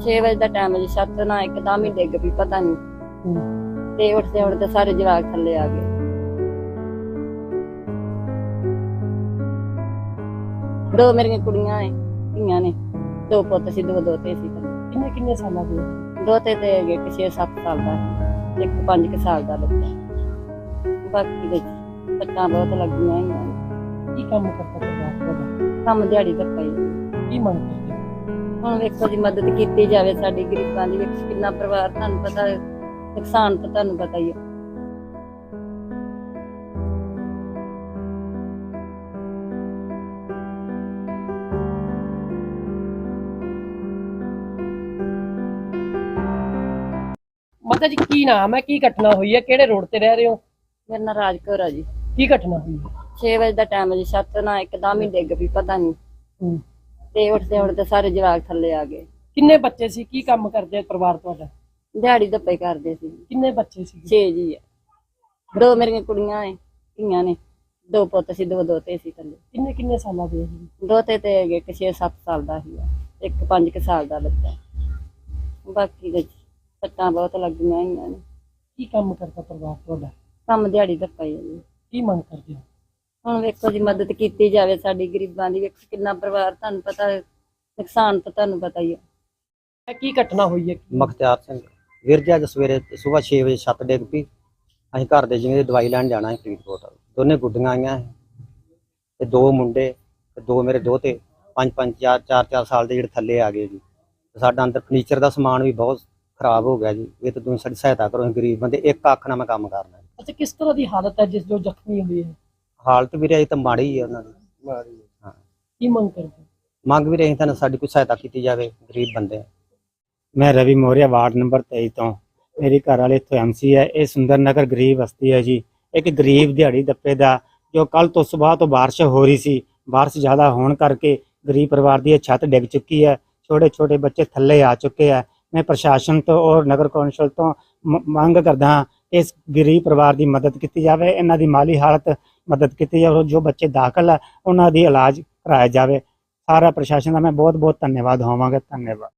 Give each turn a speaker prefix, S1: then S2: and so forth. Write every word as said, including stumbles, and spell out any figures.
S1: ਛੇ ਵਜੇ ਦਾ ਟਾਈਮ ਜੀ, ਛੱਤ ਨਾ ਇੱਕਦਮ ਹੀ ਡਿੱਗ ਪਈ, ਪਤਾ ਨਹੀਂ ਤੇ ਉੱਠਦੇ ਉੱਠਦੇ ਸਾਰੇ ਜਵਾਕ ਥੱਲੇ ਆ ਗਏ। ਦੋ ਮੇਰੀਆਂ ਕੁੜੀਆਂ ਨੇ, ਧੀਆਂ ਨੇ, ਦੋ ਪੁੱਤ ਸੀ, ਦੋ ਦੋਤੇ ਸੀ।
S2: ਕਿੰਨੇ ਕਿੰਨੇ ਸਾਲਾਂ ਦੇ?
S1: ਦੋਤੇ ਤੇ ਹੈਗੇ ਇੱਕ ਛੇ ਸੱਤ ਸਾਲ ਦਾ, ਇੱਕ ਪੰਜ ਕੁ ਸਾਲ ਦਾ ਬੱਚਾ। ਬਾਕੀ ਦੇ ਸੱਟਾਂ ਬਹੁਤ ਲੱਗੀਆਂ ਹੋਈਆਂ ਨੇ।
S2: ਕੀ ਕੰਮ ਕਰਦਾ ਪਰਿਵਾਰ ਤੁਹਾਡਾ?
S1: ਕੰਮ ਦਿਹਾੜੀ ਧੱਪਾ ਹੀ।
S2: ਕੀ ਮੰਗ ਕਰਦੇ ਹੋ?
S1: ਹੁਣ ਵੇਖੋ ਜੀ, ਮਦਦ ਕੀਤੀ ਜਾਵੇ ਸਾਡੀ ਗਰੀਬਾਂ ਦੀ। ਵੇਖੋ ਕਿੰਨਾ ਪਰਿਵਾਰ, ਤੁਹਾਨੂੰ ਪਤਾ ਨੁਕਸਾਨ ਤਾਂ ਤੁਹਾਨੂੰ ਪਤਾ ਹੀ ਹੈ।
S2: ਮਾਤਾ ਜੀ ਕੀ ਨਾਮ ਹੈ, ਕੀ ਘਟਨਾ ਹੋਈ ਹੈ, ਕਿਹੜੇ ਰੋਡ ਤੇ ਰਹਿ ਰਹੇ ਹੋ?
S1: ਮੇਰਾ ਨਾਂ ਰਾਜ ਕੌਰ ਆ ਜੀ।
S2: ਕੀ ਘਟਨਾ ਹੋਈ?
S1: ਛੇ ਵਜੇ ਦਾ ਟਾਈਮ ਜੀ, ਛੱਤ ਨਾ ਇੱਕਦਮ ਹੀ ਡਿੱਗ ਪਈ, ਪਤਾ ਨਹੀਂ ਤੇ ਉੱਠਦੇ ਉੱਠਦੇ ਸਾਰੇ ਜਵਾਕ ਥੱਲੇ ਆ ਗਏ।
S2: ਕਿੰਨੇ ਬੱਚੇ ਸੀ, ਕੀ ਕੰਮ ਕਰਦੇ ਪਰਿਵਾਰ ਤੁਹਾਡਾ?
S1: ਦਿਹਾੜੀ ਧੱਪੇ ਕਰਦੇ ਸੀ।
S2: ਕਿੰਨੇ ਬੱਚੇ ਸੀ?
S1: ਛੇ ਜੀ ਆ। ਦੋ ਮੇਰੀਆਂ ਕੁੜੀਆਂ ਨੇ, ਧੀਆਂ ਨੇ, ਦੋ ਪੁੱਤ ਸੀ, ਦੋ ਦੋਤੇ ਸੀ ਥੱਲੇ।
S2: ਕਿੰਨੇ ਕਿੰਨੇ ਸਾਲਾਂ ਦੇ?
S1: ਦੋਤੇ ਤੇ ਹੈਗੇ ਇੱਕ ਛੇ ਸੱਤ ਸਾਲ ਦਾ ਸੀ, ਇੱਕ ਪੰਜ ਕੁ ਸਾਲ ਦਾ ਬੱਚਾ। ਬਾਕੀ ਦੇ ਸੱਟਾਂ ਬਹੁਤ ਲੱਗੀਆਂ ਹੋਈਆਂ ਨੇ।
S2: ਕੀ ਕੰਮ ਕਰਦਾ ਪਰਿਵਾਰ ਤੁਹਾਡਾ?
S1: ਕੰਮ ਦਿਹਾੜੀ ਧੱਪਾ ਹੀ ਹੈ ਜੀ।
S2: ਕੀ ਮੰਗ ਕਰਦੇ ਹੋ?
S1: ਹੁਣ ਵੇਖੋ ਜੀ, ਮਦਦ ਕੀਤੀ ਜਾਵੇ ਸਾਡੀ ਗਰੀਬਾਂ ਦੀ। ਵੇਖੋ ਕਿੰਨਾ ਪਰਿਵਾਰ, ਤੁਹਾਨੂੰ ਪਤਾ ਨੁਕਸਾਨ ਤਾਂ ਤੁਹਾਨੂੰ ਪਤਾ ਹੀ ਹੈ।
S2: ਕੀ ਘਟਨਾ ਹੋਈ ਹੈ?
S3: ਮਖਤਿਆਰ ਸਿੰਘ ਵੀਰ ਜੀ, ਅੱਜ ਸਵੇਰੇ ਸੁਬਾਹ ਛੇ ਵਜੇ ਛੱਤ ਡਿੱਗ ਪਈ। ਅਸੀਂ ਘਰ ਦੇ ਜਿਵੇਂ ਦਵਾਈ ਲੈਣ ਜਾਣਾ ਹੈ ਫਰੀਦਕੋਟ। ਦੋਨੇ ਗੁੱਡੀਆਂ ਆਈਆਂ ਤੇ ਦੋ ਮੁੰਡੇ ਤੇ ਦੋ ਮੇਰੇ ਦੋਤੇ, ਪੰਜ ਪੰਜ ਚਾਰ ਚਾਰ ਚਾਰ ਸਾਲ ਦੇ ਜਿਹੜੇ ਥੱਲੇ ਆ ਗਏ ਜੀ। ਸਾਡਾ ਅੰਦਰ ਫਰਨੀਚਰ ਦਾ ਸਮਾਨ ਵੀ ਬਹੁਤ ਖਰਾਬ ਹੋ ਗਿਆ ਜੀ। ਇਹ ਤਾਂ ਤੁਸੀਂ ਸਾਡੀ ਸਹਾਇਤਾ ਕਰੋ, ਗਰੀਬ ਬੰਦੇ, ਇੱਕ ਅੱਖ ਨਾਲ ਮੈਂ ਕੰਮ ਕਰਨਾ।
S2: ਅੱਛਾ, ਕਿਸ ਤਰ੍ਹਾਂ ਦੀ ਹਾਲਤ ਹੈ ਜਿਸ ਜੋ ਜ਼ਖਮੀ ਹੋਈ ਹੈ?
S3: ਹਾਲਤ ਵੀਰੇ ਅਜੇ ਤਾਂ ਮਾੜੀ ਹੀ ਹੈ ਉਹਨਾਂ ਦੀ। ਹਾਂ,
S2: ਕੀ ਮੰਗ ਕਰਦੇ?
S3: ਮੰਗ ਵੀ ਰਹੀ ਤਾਂ ਸਾਡੀ ਕੋਈ ਸਹਾਇਤਾ ਕੀਤੀ ਜਾਵੇ, ਗਰੀਬ ਬੰਦੇ।
S4: मैं रवि मौर्य वार्ड नंबर तेईस तो मेरी घर वाले इतों एम सी है। ये सुंदर नगर गरीब बस्ती है जी। एक गरीब दिहाड़ी दप्पे का जो कल तो सुबह तो बारिश हो रही सी, बारिश ज़्यादा होने करके गरीब परिवार की छत डिग चुकी है। छोटे छोटे बच्चे थल्ले आ चुके हैं। मैं प्रशासन तो और नगर कौंसल तो मंग करदा हाँ कि इस गरीब परिवार की मदद की जाए, इन्हां दी माली हालत मदद की जाए, जो बच्चे दाखिल है उन्हां दी इलाज कराया जाए। सारा प्रशासन का मैं बहुत बहुत धन्यवाद होवांगा। धन्यवाद।